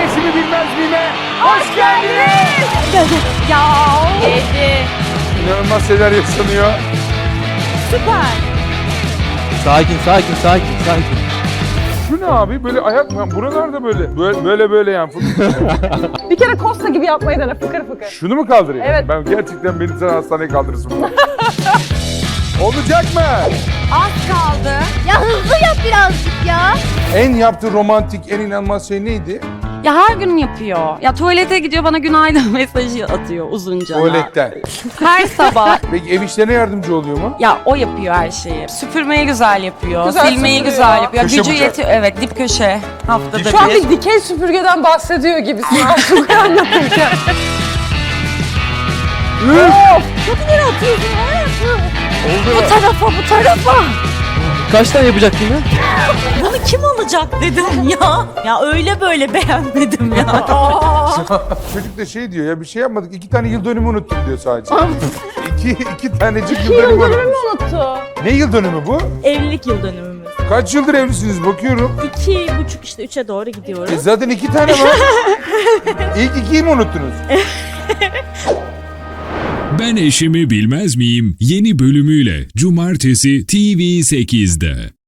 Eşimi Bilmez Miyim'e hoş geldiniz. Ya. Edi. İnanılmaz şeyler yaşanıyor. Süper. Sakin. Şu ne abi? Böyle ayak mı? Buralarda böyle yani. Bir kere Costa gibi yapmayı dene fıkır fıkır. Şunu mu kaldırayım? Evet. Ben gerçekten beni sen hastaneye kaldırırsın bunu. Olacak mı? Az kaldı. Ya hızlı yap birazcık ya. En yaptığı romantik, en inanılmaz şey neydi? Ya her gün yapıyor. Ya tuvalete gidiyor bana günaydın mesajı atıyor uzunca. Tuvaletten. Her sabah. Peki ev işlerine yardımcı oluyor mu? Ya o yapıyor her şeyi. Süpürmeyi güzel yapıyor. Güzel Silmeyi süpürüyor. güzel yapıyor. Köşe Gücü bucak. yetiyor. Evet, dip köşe. Haftada Şu an bir. bir dikey süpürgeden bahsediyor gibisin artık anlatırken. Çok ileri atıyorsun hayatım. Oldu mu? Bu tarafa. Kaç tane yapacak yine? Bunu kim alacak dedim ya. Ya öyle böyle beğenmedim ya. Çocuk da şey diyor ya bir şey yapmadık. 2 tane yıl dönümü unuttum diyor sadece. iki tanecik yıl dönümü Yıldönümü unutmuş. unuttu. Ne yıl dönümü bu? Evlilik yıl dönümümüz. Kaç yıldır evlisiniz bakıyorum. 2,5 işte 3'e doğru gidiyoruz. Zaten 2 tane var. İlk 2'yi mi unuttunuz? Ben Eşimi Bilmez Miyim yeni bölümüyle Cumartesi TV8'de.